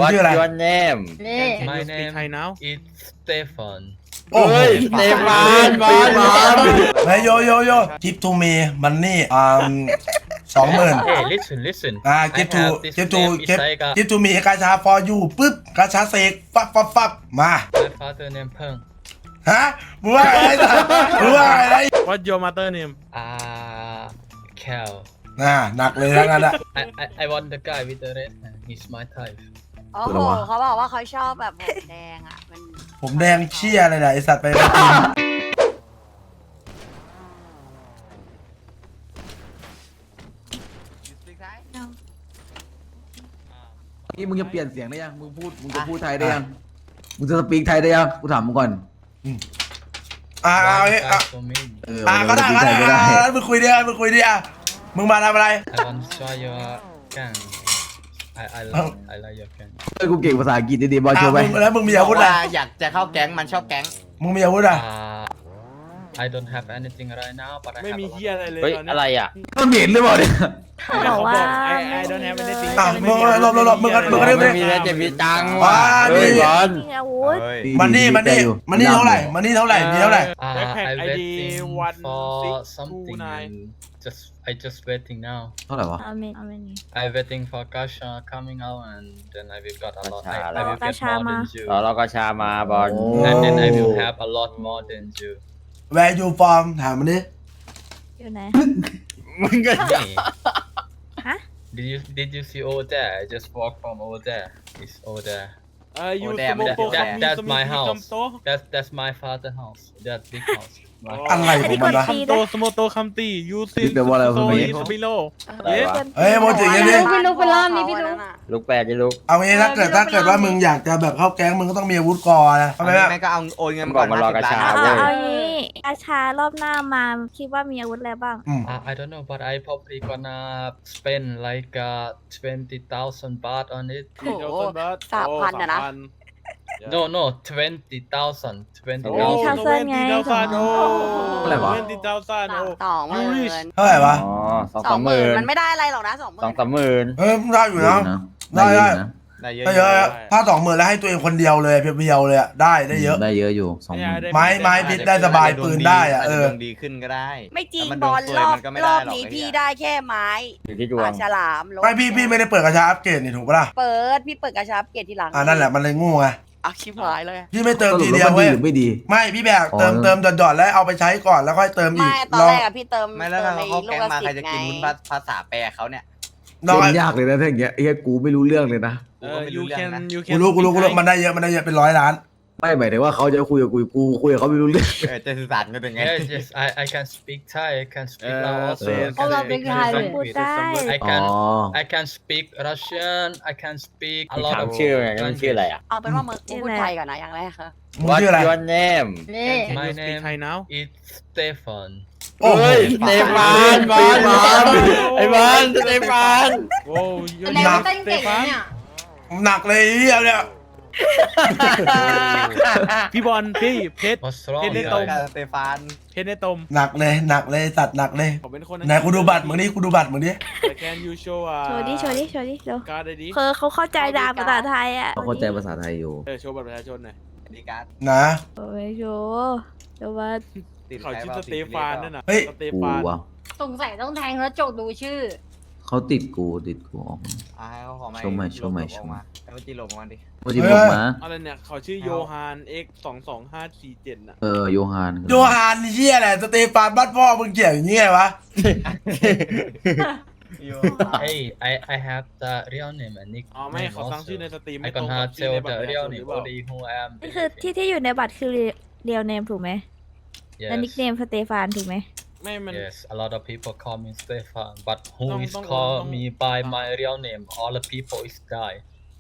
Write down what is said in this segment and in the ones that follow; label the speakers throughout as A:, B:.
A: What's
B: ชื่ออะไร
A: your name
C: นี่
D: My
E: Speak
D: name
E: Thai now
D: is Stefan
B: โอ้โห
A: เต็มบ้าน
B: เฮ้ยโยกิฟทูมีมันนี่20,000
D: Hey listen
B: กิฟ
D: I
B: ทู
D: have this
B: กิฟทู
D: name
B: กิ
D: Isaiga
B: ฟทูมีกาชา for you ปึ๊บกาชาเสกฟับมา
D: My father name Peng
B: ฮะมึงว่าอะไรมึงว่าอะไร
E: What your mother name
D: Cal
B: หนักเลยทั้งนั้นอะ
D: I want the guy with the red hair he's my type
C: โอ้โหเขาบอกว่าเขาชอบแบบผมแดงอ่ะมัน
B: ผมแดงเชี่ยอะไรนะไอสัตว์ไปกิน
F: นี่มึงจะเปลี่ยนเสียงได้ยัง มึงจะพูดไทยได้ยัง มึงจะสปีกไทยได้ยัง กูถามมึงก่อน
B: เอา
D: One
B: เอา
D: guy for me
B: ก็ได้
F: สปีกไทยก็ได้
B: มึงคุยดิมึงมาทำอะไร
D: I want to try your gang I like your gang
F: เฮ้ยกูเก่งภาษาอังกฤษดีๆบอลโชว์ไป
B: แล้วมึงมีอาวุธอะไร
A: อยากจะเข้าแก๊งมันชอบแก๊ง
B: มึงมีอาวุธอะไร
D: I don't have anything right now but I
E: ไม่
D: have
E: มี
D: a
E: เฮีย
D: lot
E: อะไรเลย
A: เฮ้ย
E: ตอนนี้
A: อะไรอ่ะ
F: มันเหม็นหรือเปล่าเนี่ย
E: เขาบอกว่า I don't have anything
B: มึงหลบมึงกัน
A: ไม่มีแล้วจะมีตังค์
B: ว้า
A: เฮ้ย
B: นี่
A: บอล
C: มีอาวุธ
B: มันนี่เท่าไหร่มีเท่าไหร่
E: Backpack
D: I
E: ID
D: waiting for something
E: 1629
D: and I just waiting now
F: เท่าไหร่วะ
C: อาเมนอาเมน
D: I waiting for Gasha coming out and then I will got a lot I will get
C: Gasha
D: more
C: มา
D: than you
A: เราก็ชามาบอล
D: and then I will have a lot more than you
B: Where you from ถามมันดิ
C: อยู่ไหน
A: มึงก็
C: ฮะ
D: Did you see over there I just walk from over there it's over there
E: you
A: damn,
E: smoke
D: that's my house
E: โต
D: that's my father house that big house
B: อะไรของมันวะ
E: คัมโตสโมโตคัมตียูซิโซอีสปิโล
A: อะไรวะ
B: เฮ้ยโมจิอย่างนี้
C: พี่ลูกไปรอบนี้พี่ลูก
A: ลูกแปดจะลูก
B: เอางี้ถ้าเกิดว่ามึงอยากจะแบบเข้าแก๊งมึงก็ต้องมีอาวุธก่อนนะทำไม
A: ไม่ก็เอาโอนเงินก่อน
D: มารอกระชา
C: เอางี้อาชารอบหน้ามาคิดว่ามีอาวุธอะไรบ้าง
D: I don't know but I probably gonna spend like 20,000 baht on it
C: โอ้โห 3,000อะนะ
D: no 20,000
C: โอ้
D: 20,000
C: เท่าเส้นไง
E: โอ้
F: อะไรวะ
E: 20,000โอ้
C: 20,000
B: เท่าไหร่วะ
A: อ๋อ2-3 หมื่น
C: มันไม่ได้อะไรหรอกนะ20,000
A: 2-3 หมื่น
B: เฮ้ยได้อยู่นะ ได้
F: ได้นะ
A: ได้เยอะ
B: ได้เยอะถ้า20,000แล้วให้ตัวเองคนเดียวเลยเพียวๆเลยอะได้เยอะ
F: ได้เยอะอยู่20,000
B: ไม้พิษได้สบายปืนได้อะ
A: ดวงดีขึ้นก็ได้
C: ไม่จริง
A: แต่มัน
C: บอล
A: โดนเปิด
C: รอบ
A: มันก็ไม่
C: ร
A: ได้
C: อบ
A: หรอก
C: นี้
A: ไอ้
C: พี่
A: เหี้ย
C: ได้แค่ไม้
A: อยู่ที่ดว
C: ปาง กฉลามลบ
B: ไม่พี่ไม่ได้เปิดกระชาอัปเกรดนี่ถูกปะล่ะ
C: พี่เปิดกระชับเกตทีหลัง
B: นั่นแหละมันเลยงูไง
C: อ่ะชิบหายเลย
B: พี่ไม่เติม
F: สรุ
B: ที
F: ป
B: เดี
F: แล้
B: ยว ว
F: มันดี
B: เว้ย
F: หรือไม่ดี
B: ไม่พี่แบบเติมหยอดๆแล้วเอาไปใช้ก่อนแล้วค่อยเติมอีก
C: ไม่ตอนแรกอะพี่เติม
A: ไม่แล้วถ้าเขาเข้าแก๊งมาใครจะกิน
C: ไง
A: วุ้นภาษาแปลเขาเนี่ย
B: น้อย
F: เป็นยากเลยนะถ้าอย่างเงี้ยไอ้เหี้ยกูไม่รู้เรื่องเลยนะ
E: you can
B: กูรู้มันได้เยอะเป็น100 ล้าน
F: ไม่หมายถึงว่าเขาจะคุยกับกูคุยกับเขาไม่รู้เรื่อง
A: จะสื่อสารกันยังไง
D: yes I can speak Thai I can speak Lao also I
C: เพราะ
D: can
C: เราเป็น
D: speak
C: ไทย
D: Thai
C: พูด
D: language
C: ได้
D: I
F: อ๋อ
D: can I can speak Russian I can speak a
A: มี
D: lot
A: ถาม
D: of
A: ชื่อไงมันชื่ออะไรอ่ะ
C: เอาเป็นว่ามึงพูดไทยก่อนนะอย่างแรกค่ะ
B: มึง
A: What's
B: ชื่ออะไร
A: your name
C: นี่
D: My
E: you speak
D: name
E: Thai now
D: is Stefan
B: โอ้โห
A: เฮ้ยสเตฟานบอลไอ้บอลสเตฟาน
E: โอ้ยู
C: แสดงว่าเต้นเก่งนะเนี่ย
B: หนักเลยเฮียเนี่ย
E: พี่บอลพี่เพชร
D: What's wrong
E: เห็นใน
D: guys?
E: ตรง
A: สเตฟาน
E: เพชรในตม
B: หนักเลยสัตว์หนักเลย
E: ผมเป็นคน
B: ไหนกูดูบัตรมึงดิกูดูบัตรมึงดิ
E: Can you show
C: โชว์ดิเร็ว
E: การ์ดดิ
C: คือเขาเข้าใจดาภาษาไทยอ่ะ
F: เขาเข้าใจภาษาไทยอยู่
E: โชว์บัตรประชาชนหน่อย
A: ดีการ์ด
B: นะ
C: โอ้ยโชว์เดี๋ยวว่า
A: ติด
E: เขา
A: ใคร
E: ชื่อ
A: เปล่า
E: สเตฟานนั่นน่ะสเต
F: กู
E: ฟาน
F: ว่ะ
G: สงสัยต้องแทงแล้วจกดูชื่อ
F: เขาติดกูออก
A: ให้เขาขอไม้
F: โชว์ใหม่
A: ออกมาให้มันจีลงมาดิ
F: โมจิบอกมา
E: อะไรเนี่ยเขาชื่อโยฮาน X 22547น่ะ
F: โยฮาน
B: โยฮานเฮียแหละสเตฟานบ้านพ่อมึงเกี่ยวอย่างงี้ไงวะ
D: Hey I have the real name and
E: อ๋อไม่
D: nickname
E: เขาตั้งชื่อใน
D: also
E: สตรีม
D: I
E: ไม่ตรง
D: gonna
E: กับชื่อ
D: tell
E: ในบัตร
D: the
E: ประชา
D: real
E: ชนหรื
D: name
E: อเปล่า
D: only who I am
C: นี่คือที่อยู่ในบัตรคือเรียลเนมถูกไหมและนิกเน
D: yes
C: มสเตฟานถูกไหม
E: ไม่มัน
D: yes a lot of people call me Stefan but who
E: Don't-
D: is
E: don't-
D: call
E: don't-
D: me by my real name all the people is die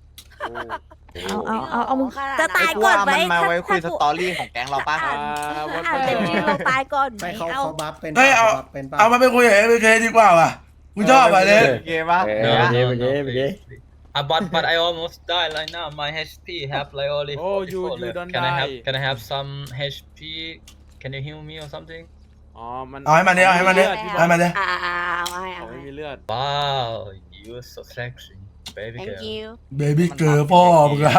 C: เอามึงจะตาย
A: ไอ้กู
C: ก่อน
A: ว่า
C: ไหม
A: มันมาไว้คุยสตอรี่ของแก๊งเราป่ะ
C: อ่านเต็มชื่อเราตายก่อนไหม
H: ไม่เขา
C: เอา
H: บัฟเป็น
B: เฮ้ยเอา
H: บัฟเป็นป่ะ
B: เอามาไปคุยกับเอเคดีกว่าว่ะมึงชอบอ่ะเนี่ย
A: โอเคป่ะ
D: no
A: Yeah.
D: no no
A: Okay.
D: please, please. but I almost died right now my HP have like only
E: Oh, you
D: 44 left.
E: don't
D: Can
E: die.
D: I have some HP can you heal me or something
E: อ๋อมัน
B: เอาให้มันดิให้มันดิ
C: เอาให้มันดิ
E: เขาไม่มีเลือด
D: wow you so sexy baby
H: thank
D: girl
H: you
B: เบบี้เกอร์พ่อมึงอะ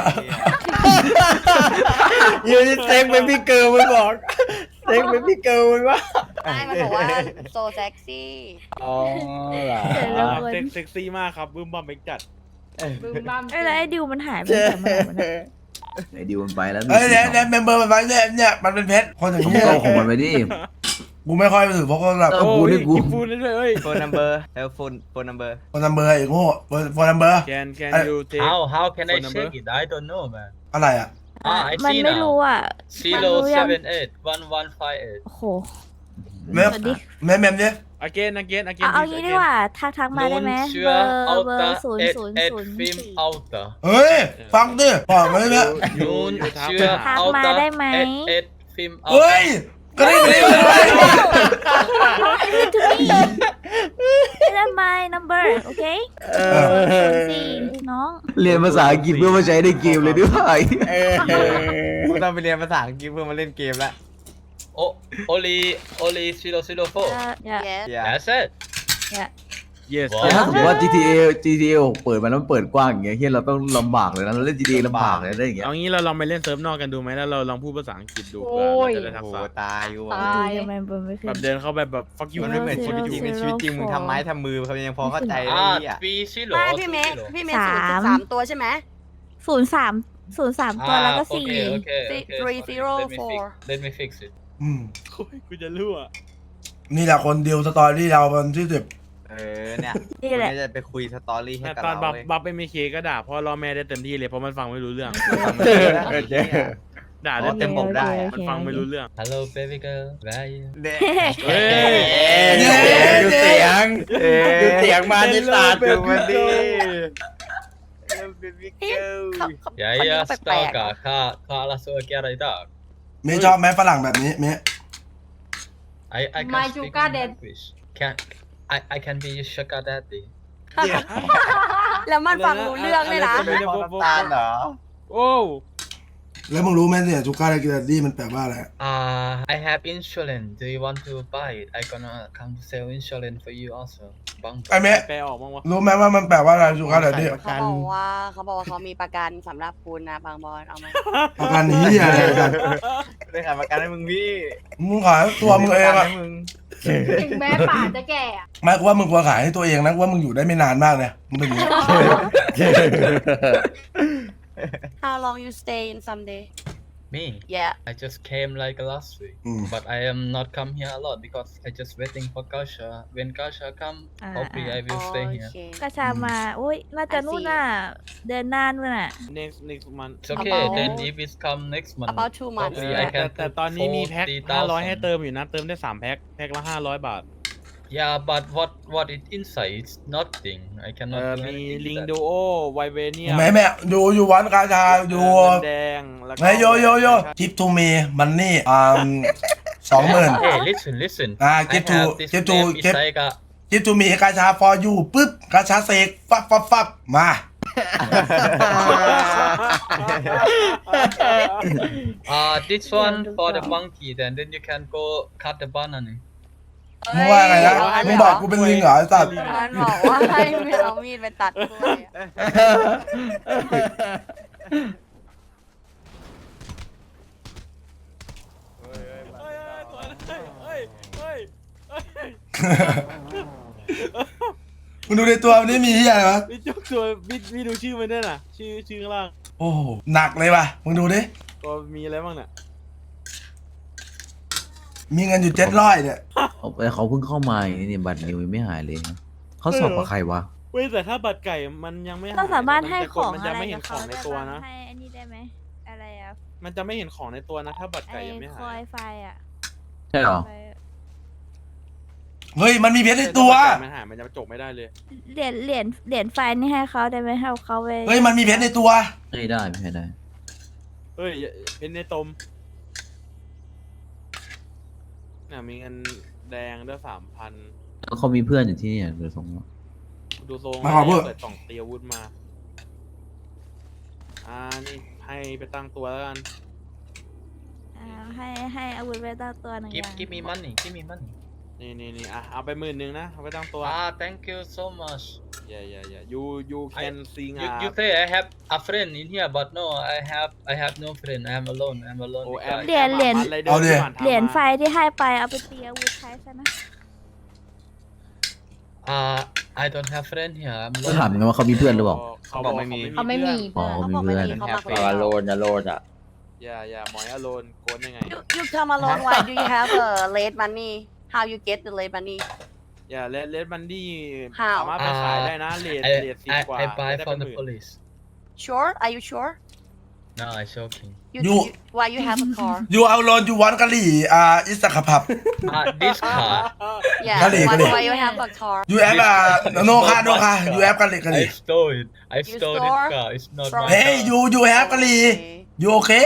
A: ยูนี่เซ็กเป็นพี่เกิร์ลมันบอกเซ็กเป็นพี่เกิร์ลมันว่า
H: ไม่มันบอกว่า so sexy
A: อ๋อเหรอ
E: เซ็กซี่มากครับบึ้มบัมเบกจัด
G: บึ้มบ้าม
C: เอ้ยแล้วไอ้ดิวมันหายไปไหนมาวันนั้น
F: ไอ้ดิวมันไปแล้ว
B: เอ้ยเนี่ยเมมเบอร์มันไว้เนี่ยมันเป็นเพชรคนอย่าง
F: ต้อง
B: นี้
F: เอาของมันไปดิ
B: กูไม่ค่อยไปถือเพราะก็แบบ
F: เออกูนี่กู
E: พูดได้ด้วยเอ้ย
A: โฟนนัมเบอร์แล้วโฟนนัมเบอร์
B: คนนัมเบอร์อีกโง่คนนัมเบอร์
E: can you take
D: how can I
E: phone number?
D: check it I don't know man
B: อะไรอ่ะ
D: I
C: มัน
D: see
C: ไม่รู้
D: now
C: อ่ะ
D: Zero
C: มันรู้ยัง
D: 78 1158
C: โอ้โห
B: เมม
C: สวัสดี
B: เมมเนี่ย
E: again
C: เอางี้ดีกว่าทักมาได้ไหมเบอร์0000
D: film outer
B: เฮ้ยฟังดิบอกมาเลยเนี่ย
D: Noon
C: ทัก
D: sure
C: มาได้ไหม
D: film
B: เฮ้ย
D: outer
B: ก็ได้ไม่ได้เลย
C: to me that's my number โอเค04น้อง
F: เรียนภาษาอังกฤษเพื่อมาใช้ในเกมเลยด้วย
A: กูต้องไปเรียนภาษาอังกฤษเพื่อมาเล่นเกมแล้ว
D: oh only 004
H: yes
D: that's it
E: yes
D: ว้าว
F: แต่ถ้าสมมติว่า GTA เปิดมาแล้วมันเปิดกว้างอย่างเงี้ยเฮียเราต้องลำบากเลยนะเราเล่น GTA ลำบากเลยได้อย่างเงี้ย
E: เอางี้เราลองไปเล่นเซิร์ฟนอกกันดูไหมแล้วเราลองพูดภาษาอังกฤษดู
G: โอ้
E: เพื่อย เราจะได้ทัก
A: โอ้
E: ษะ
A: ตายกู
G: ตาย
C: ทำไมเบอร์ไม่ขึ้
E: แบ
C: น
E: บเดินเข้าไปแบบ fuck you
A: มันไม่เหมือนชีวิตจริงในชีวิตจริงมึงทำไม้ทำมือเขายังพอเข้าใจเลยอ่ะ
D: B 0
H: ไม่พี่เมย์0.3ตัวใช่ไหม
C: 03ตัวแล้วก็4
D: let me fix it
B: อืม
E: โอ้ยกูจะรั่ว
B: นี่แหละคนเดียวสตอรี่เรามันที่10
A: เนี่ย
C: นี่แหละ
A: มึงจะไปคุยสตอรี่ให้
E: แต่
A: กับ
E: ตอน
A: เรา
E: บัฟไม่เคก็ด่าพ่อรอแม่ได้เต็มที่เลยเพราะมันฟังไม่รู้เรื่อง ด่าได้
A: เต็มบกได้
E: มันฟังไม่รู้เรื่อง
D: hello baby girl where are you
E: เฮ้ย
A: ดูเสียงดูเสียงมาในศาสตร์ดูมันดิ
D: ya ya astaga kak langsung lagi ada itu
B: เมย์ชอบไหมฝรั่งแบบนี้เมย์
D: I
G: My
D: can speak
G: sugar
D: in
G: daddy.
D: language can I can be your sugar daddy
H: แล้วมันฟังรู้เรื่องเลยนะ
A: เป็นพอน้ำตาลเหรอ
E: โอ้
B: แล้วมึงรู้ไหมเนี่ยจูการ์เรกิลดี้มันแปลว่าอะไร
D: I have insulin do you want to buy it I gonna come to sell insulin for you also บัง
B: ไอ้เมย์
E: แปลออกมั้งวะ
B: รู้ไหมว่ามันแปลว่าอะไรจูการ์เรกิลดี้
H: เขาบอกว่าเขามีประกันสำหรับคุณนะบางบอลเอาไหม
B: ประกันนี้อะไรกัน
A: ได้ขายประกันให้มึงพี่
B: มึงขายตัวมึงเองอะ
G: ถึงแม้ป่าจะแก่อะ
B: ไม่กูว่ามึงควรขายให้ตัวเองนะกูว่ามึงอยู่ได้ไม่นานมากเลยมึงเป็นอย่างนี้
H: How long you stay in someday
D: me
H: yeah
D: I just came like last week but I am not come here a lot because I just waiting for Kasha when Kasha come hopefully I will stay here
H: โอเค
C: กระชามาโอ้ยน่าจะนู่นน่ะเดินนานนู่นน่ะ
E: next month
D: it's okay then if it come next month
H: about 2 months
D: hopefully I
E: แต่
D: can
E: แต่
D: put
E: ตอนนี้มีแพ็ค 500 ให้
D: 40,000
E: เติมอยู่นะ เติมได้ 3 แพ็ค แพ็คละ 500 บาท
D: yeah but what it inside it's nothing I cannot do
E: มี
D: anything
E: ลิง
D: with
E: ดู
D: that.
E: โอไวเวเนีย
B: แม่อยู่วันกาชาอยู่
E: แดงแล้วก็
B: ไงโยกิฟทูมีมันนี่20,000
D: hey listen
B: Ah,
D: I
B: give to-
D: have this
B: give to-
D: name
B: give-
D: Isaiga
B: กิฟทูมีกาชา for you ปึ๊บกาชาเสกฟับมา
D: this one for the monkey then you can go cut the banana
B: มึงว่าไงนะมึงบอกกูเป็นลิงเหรอไอ้สัตว์
H: มันบอกว่าให้ไม่เอามีดไปตัดกล้วยอะ
B: มึงดูในตัวมันนี่มีที่อะไรวะ
E: มีจุกตัวมีดูชื่อมันด้วยน่ะ ชื่อข้างล่าง
B: โอ้โหหนักเลยว่ะมึงดูดิ
E: ก็มีอะไรบ้างเนี่ย
B: มีเงินอยู่700เนี่ย
F: เขาเพิ่งเข้ามาอย่างนี้เนี่ยบัตรนิวยังไม่หายเลยนะเขาสอบกับใครวะ
E: เว้ยแต่ถ้าบัตรไก่มันยังไม่หาย
C: เราสามารถให้ของ
E: มัน
C: อะ
E: จะ
C: ไร
E: ไม่เห็
C: กัน บ
E: ข
C: เขา
E: องใน
C: ได้
E: ตัว
C: บ้าง
E: นะ
C: ให้อันนี้ได้ไหมอะไรอะ
E: มันจะไม่เห็นของในตัวนะ ถ้าบัตร
C: ไอ้
E: ไก่ยังไม่
C: ค
E: หา
C: อย ยไฟอะ
F: ใช่เหรอ
C: ไฟอะ
B: เฮ้ยมันมีเพชรในตัว
E: ถ้าบัตรไก่มันหายมันจะจบไม่ได้เลย
C: เหรียญไฟนี่ให้เขาได้ไหมให้เขาไป
B: เฮ้ยมันมีเพชรในตัว
F: ไม่ได้ไม่ได้
E: เฮ้ยเป็นในตมเนี่ยมีเงินแดงด้วย 3,000
F: แล้วเขามีเพื่อนอยู่ที่เนี่ยเดี๋ยวส่งมา
E: ดูทรง
B: มาขอเพิ่ม
E: เปิดกล่องเตรียมอาวุธมา นี่ให้ไปตั้งตัวแล้วกัน
C: ให้อาวุธไว้ตั้งตัวหนึ่งอย่าง
D: give me money
E: นี่เอาไป10,000นะเอาไปตั้งตัว
D: thank you so much
E: yeah. You can sing.
D: You say I have a friend in here, but no, I have no friend. I'm alone. I'm alone.
E: โอ้แอม
D: because-
C: เหรียญ
B: เอาดิ
C: เหรียญไฟที่ให้ไปเอาไปตีอาวุธใช้ซะนะ
D: I don't have friend here. I'm
F: ก็ถาม
D: alone.
F: ไงว่าเขามีเพื่อนหรือเปล่า
E: เขาบอกไม่มี
G: เขาไม่มี
F: อ๋อ
H: เขา
F: มี
H: บอก
F: เพื่
H: ไม่
F: อน
H: มีเขามาคน
A: อ
H: เดียว
A: โลนอโลนอ่ะ
E: อย่าหมอยอโลนโกนยังไง
H: You come alone why do you have a late money how you get the late money
E: อย่าเลดมันดี้
H: How?
E: สามารถไปขายได้นะเลด
D: I
E: สิบกว่า
D: I buy
E: ได้
D: from
E: เป็น
D: the
E: หมื่น
D: police.
H: sure are you sure
D: No, I'm joking.
H: why you have a car
B: อยู่เอาโลนอยู่วันกะหรี่อิสระพับ
D: This car.
H: yeah
B: กะหรี่
H: why you have a car
B: ยูแอปโนคายูแอปกะหรี่กะห
D: I
B: รี่
D: stole it. I
H: You
D: stole
H: stole?
D: this car. It's not
H: From-
D: my
B: เฮ้ย
D: car.
B: ยูแอปกะหรี่
H: Okay.
B: ยูโอเค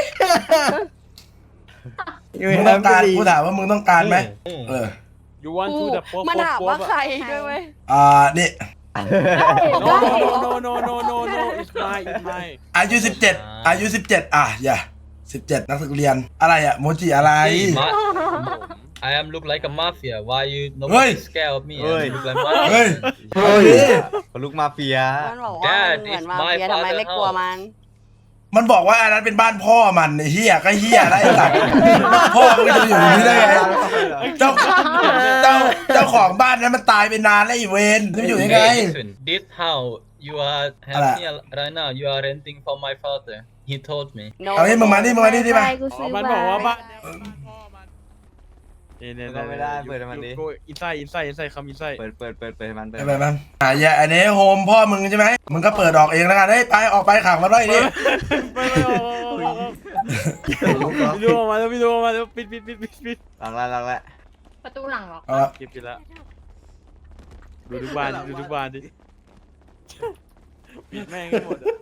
B: มึงต้องการกูถามว่ามึงต้องการไหมเออ
E: you want to the
H: มันถามว่าใครด้วยเว้ย
B: นี่
E: no no no no no it's mine
B: อายุ17อายุ17อย่า17นักศึกเรียนอะไรอ่ะโมจิอะไร
D: Hey, I am look like a mafia. Why you
B: Hey.
D: nobody scared of me? I look like
B: เฮ้ย
D: mafia.
B: เฮ้ย
A: ลูกมาเฟีย
H: มันบอกว่ามึงเหมือนมาเฟียทำไมไม่กลัวมัน
B: มันบอกว่าอันนั้นเป็นบ้านพ่อมันไอ้เฮียก็เฮียได้สัตว์พ่อมึงจะอยู่อย่างนี้ได้ไงเจ้าของบ้านนั้นมันตายไปนานแล้วไอีเวนจะอยู่ยังไง
D: Hey, listen, this how you are have
B: Ala.
D: here right now. You are renting for my father. He told me.
H: No
B: เอาให้มึงมานี่มึงมานี่ดิมา
C: ไฟกู
E: อ๋อ
C: ซื้อ
E: มัน
C: ไว้
E: บอกว่าบ้านเนี่ยเป็นบ้านพ่อมันเนี่ย
A: ก็ไม่ได้เปิดให้มันดิ
E: อินไซด์คำอินไซด์
A: เปิดให้มัน
B: ไปมันอย่าอันนี้โฮมพ่อมึงใช่ไหมมึงก็เปิดออกเองแล้วกันเฮ้ยไปออกไปขังมันไว้ดิ
E: ไม่พี่ดูออกมาแล้วปิด
A: หลังละ
G: ประตูหลังเหรอ
B: เอาละ
E: เก็บไปแล้วดูทุกบ้านดิปิดแม่งให้หมดอ่ะ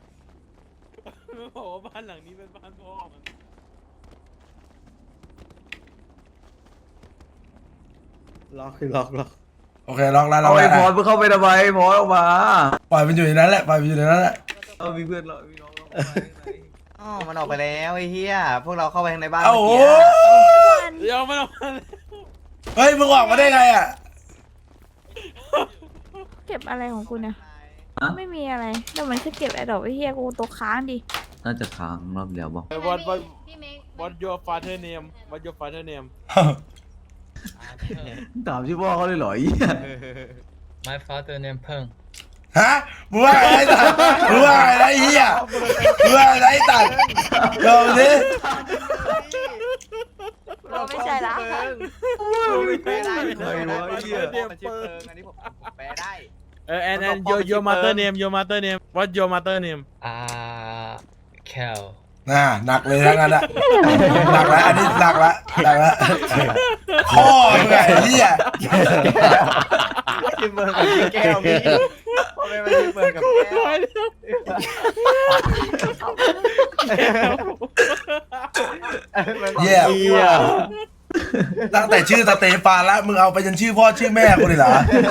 E: บอกว่าบ้านหลังนี้เป็นบ้านพ่อมัน
A: ล็อกคือล็อก
B: โอเคล็อกแล้วล็
F: เอา
B: อก
F: ไอ้
B: แล้ว
F: พอมึงเข้าไปทำไมพอออกมา
B: ปล่อยมันอยู่ในนั้นแหละปล่อยมันอยู่ในนั้นแหละ
F: เอามีเพื่อนเรามีน้องเรา
A: อ๋อมันออกไปแล้วไอ้เหี้ยพวกเราเข้าไปข้างในบ้าน
B: เอ้า
A: เมื่อ
B: โอ้
A: กี้
E: เดี๋ยวมันออกมา
B: เฮ้ยมึงออกมาได้ไงอ่ะ
C: เก็บอะไรของกูเนี่ยไม่มีอะไรแต่มันแค่เก็บไอ้ดอกไอ้เหี้ยกูตัวค้างดิ
F: น่าจะค้างรอบเดียวบอก
G: พี่เมฆ
E: What your father name
F: ถามชื่อพ่อเขาเลยเหรอไอ้เหี้ย
D: My father name Peng.
B: ฮะมึงว่าอะไรตัดมึงว่าอะไรเฮียมึงว่าอะไรตัดเดี๋ยวดิ
H: ไม่ใช่ละ
A: แปลได้
F: ใครวะไอ้เหี้ย
A: มันชื่อเพิงอันนี้ผมแปลได้
E: and your mother name What your mother name
D: Cal.
B: หนักเลยทั้งนั้นอะหนักแล้วอันนี้หนักแล้วพ่อมึงไงเฮีย
A: ชื่อเพิงกับชื่อแก้วมีพ่อแม่มาชื่อเพิงกับแก้ว
B: เฮียตั้งแต่ชื่อสเตฟานแล้วมึงเอาไปจนชื่อพ่อชื่อแม่กูเลยเหรอ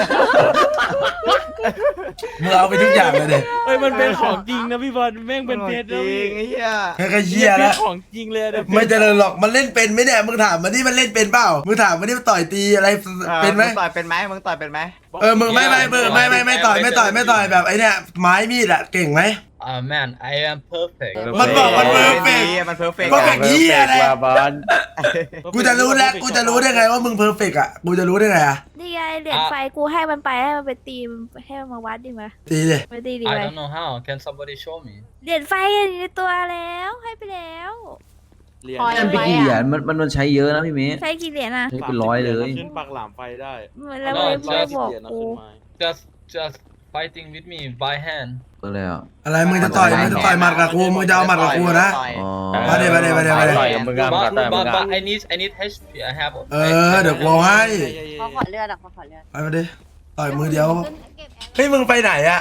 B: มึงเอาไปทุกอย่างเลยดิ
E: เฮ้ยมันเป็นของจริงนะพี่บอลแม่งเป็นเพชร
A: จ
E: นะ
A: ริ
E: พี่
A: งไอ้เหี้ย
B: แค่เฮียแล้ว
E: ของจริงเลยนะ
B: ไม่เจริญหรอกมันเล่นเป็นไหมเนี่ยมึงถามมันนี่มันเล่นเป็นเปล่ามึงถามมันนี่มันต่อยตีอะไรเป็นไหม
A: มึงต่อยเป็นไหมมึงต่อยเป็นไหม
B: มึงไม่ต่อยแบบไอ้เนี่ยไม้มีดอะเก่งไหม
D: Man, I am perfect.
B: มันบอกมันเพอร์เฟก
A: มันเพอร์เฟก
B: ก็แบบเฮียอะไร
A: บอล
B: กูจะรู้แล้วกูจะรู้ได้ไงว่ามึงเพอร์เฟกอะกูจะรู้ได้ไงอะ
C: นี่ไงเหรียญไฟกูให้มันไปให้มันไปตีให้มันมาวัดดิมา
B: ตีดิ
C: ไปตีดิ
D: I
C: ไป
D: don't know how. Can somebody show me?
C: เหรียญไฟอยู่ในตัวแล้วให้ไปแล้ว
E: เหรียญ
F: มันเป็นกี่เหรียญมันใช้เยอะนะพี่เมย์
C: ใช้กี่เหรียญอ่ะ
F: ใช้เป็นร้อยเลย
E: ขึ้นปักหลามไฟได้
C: แล้วไม่บอกกู
D: Just fighting with me by hand.
F: ก็เลยอ่ะ
B: อะไรมึงจะต่อยหมัดกับกูมึงจะเอาหมัดกับกูนะ
F: อ๋อ
B: มาเดี๋ยว
A: ต่อยกับมึงอะต่อยกับมึงอะ
D: But I need HP. I have.
B: เดี๋ยวกูเอาให้
H: ขอเลือดอ่ะขอเลือด
B: ไปมาดิต่อยมือเดียว
G: เก็บแอร์
B: เฮ้ยมึงไปไหนอะ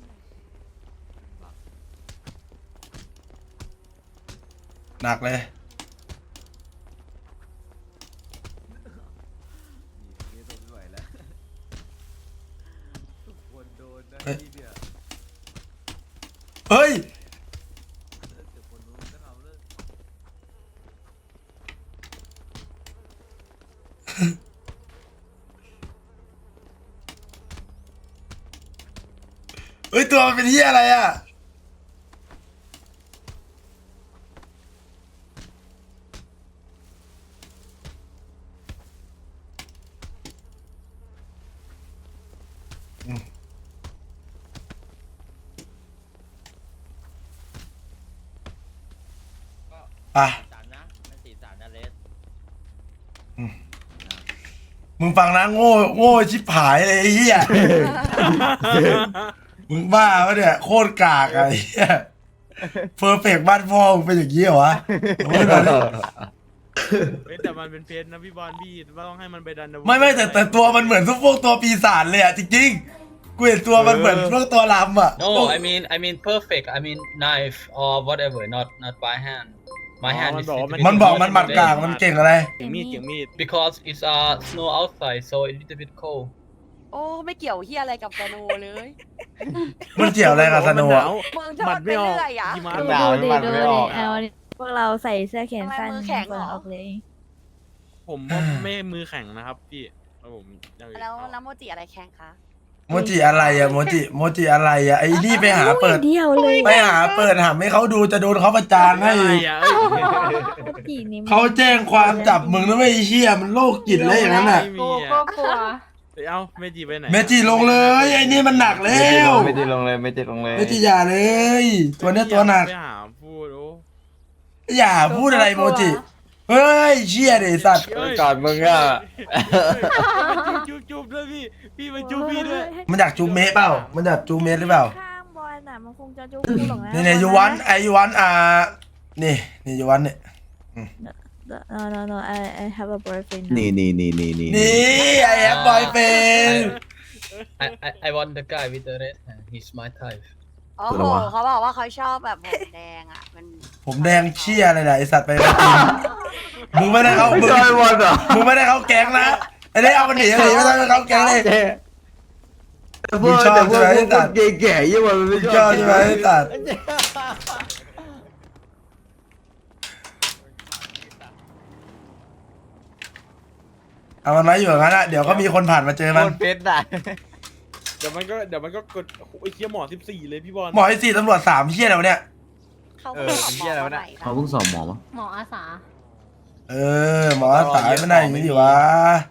B: หนักเลยเฮ้ยมันเป็นเหี้ยอะไรอ่ะอ่ะมึงฟังนะโง่ชิบหายเลยไอ้เหี้ย มึงบ้าปะเนี่ยโคตรกากอะไอ้เหี้ยเพอร์เฟกบ้านพ่อมึงเป็นอย่างนี้เหรอวะเอาไว้หน่อยดิ
E: เฮ้ยแต่มันเป็นเพชรนะพี่บอลพี่ต้องให้มันไปดัน
B: ไม่แต่ตัวมันเหมือนพวกตัวปีศาจเลยอะจริงๆกูเห็นตัวมันเหมือนพวกตัวลำอะ
D: No, I mean perfect. I mean knife or whatever, not by hand. My hand is
B: มันบอกมันหมัดกากมันเก่งอะไร
E: เก่งมีด
D: because it's snow outside, so a little bit cold.
H: โอ้ไม่เกี่ยวเฮียอะไรกับสโนเลย
B: มันเกี่ยวอะไรกับสนุกอะ
H: มึงชอบไปเรื่อยอ่ะ
E: หิมะ
C: ดูดิดูดิเอาดิพวกเราใส่เสื้อแขนสั้น
H: ทำไมมือแข็งเหรอ
C: เปิดออกเลย
E: ผมว่าไม่มือแข็งนะครับพี่แล้วผมยัง
H: แล้วโมจิอะไรแข่งคะ
B: โมจิอะไรอะโมจิอะไรอะไอ้นี่ไปหาเปิด
C: เดียวเลย
B: ไปหาเปิดหาให้เขาดูจะโดนเขาประจานให้
E: อะไรอ่ะเอ้ย
C: จีนี่
B: เขาแจ้งความจับมึงนะไม่ไอ้เหี้ยมันโรคจิตเลยอย่างนั้นอะ
E: ไม่มี
G: กู
E: อ่ะ
G: ก็กลัว
E: เอ้าเมจิไปไหน
B: เมจิลงเลยไอ้นี่มันหนักแล้ว
A: ไม่ได้ลงเลยไม่ได้ลงเลย
B: เมจิอย่าเลย ตัวเนี้ยตัวหนัก
E: ไปหาพูดโอ้
B: อย่าพูดอะไรโมจิ เฮ้ยเชี่ยเดสัตว์
A: ก่อนมึงอ่ะ
E: จุ๊บด้วยพี่มาจุ๊บพี่ด้วย
B: มันอยากจูเมะเปล่า มันอยากจูเมะหรือเปล่า
C: ข้างบอลน่ะมันคงจะจุกกูหรอกนะ
B: นี่ยูวันยูวันนี่ยูวันเนี่ย
C: No I have a boyfriend
F: นี่
B: นี่ไอ้แอปบอยเป็น
D: I want the guy with the red hand. He's my type.
H: โอ้โหเขาบอกว่าเขาชอบแบบผมแดงอ่ะมัน
B: ผมแดงเชี่ยอะไรนะไอสัตว์ไปไม่จริงมึงไม่ได้เขามึงไม่ได้เขาแก๊งนะไอ้นี่เอามันหนีไม่ต้องเขาแก๊งเลย
F: พวกแต่พวกแก่ๆยี่มันไม่
B: ช
F: ช
B: อ
F: อ
B: บบ ใช่ไหมไอ้สัตว์เอามันไว้อยู่อย่างนั้นอะเดี๋ยวก็มีคนผ่านมาเจอ
A: โค
B: มัน
A: ตรเพชรอ่ะ
E: เดี๋ยวมันก็กดโอ้ยเคี้ยหมอ14เลยพี่บอล
B: หมอไอ้สี่ตำรวจ3เชี่ยแล้วะเนี่ย
H: เขาก็บอกหมอว่าไหน
F: เขาเพิ่งสอบหมอมา
G: หมออาสา
B: หมอสายไม่ได้อย่างนี้ดิวะ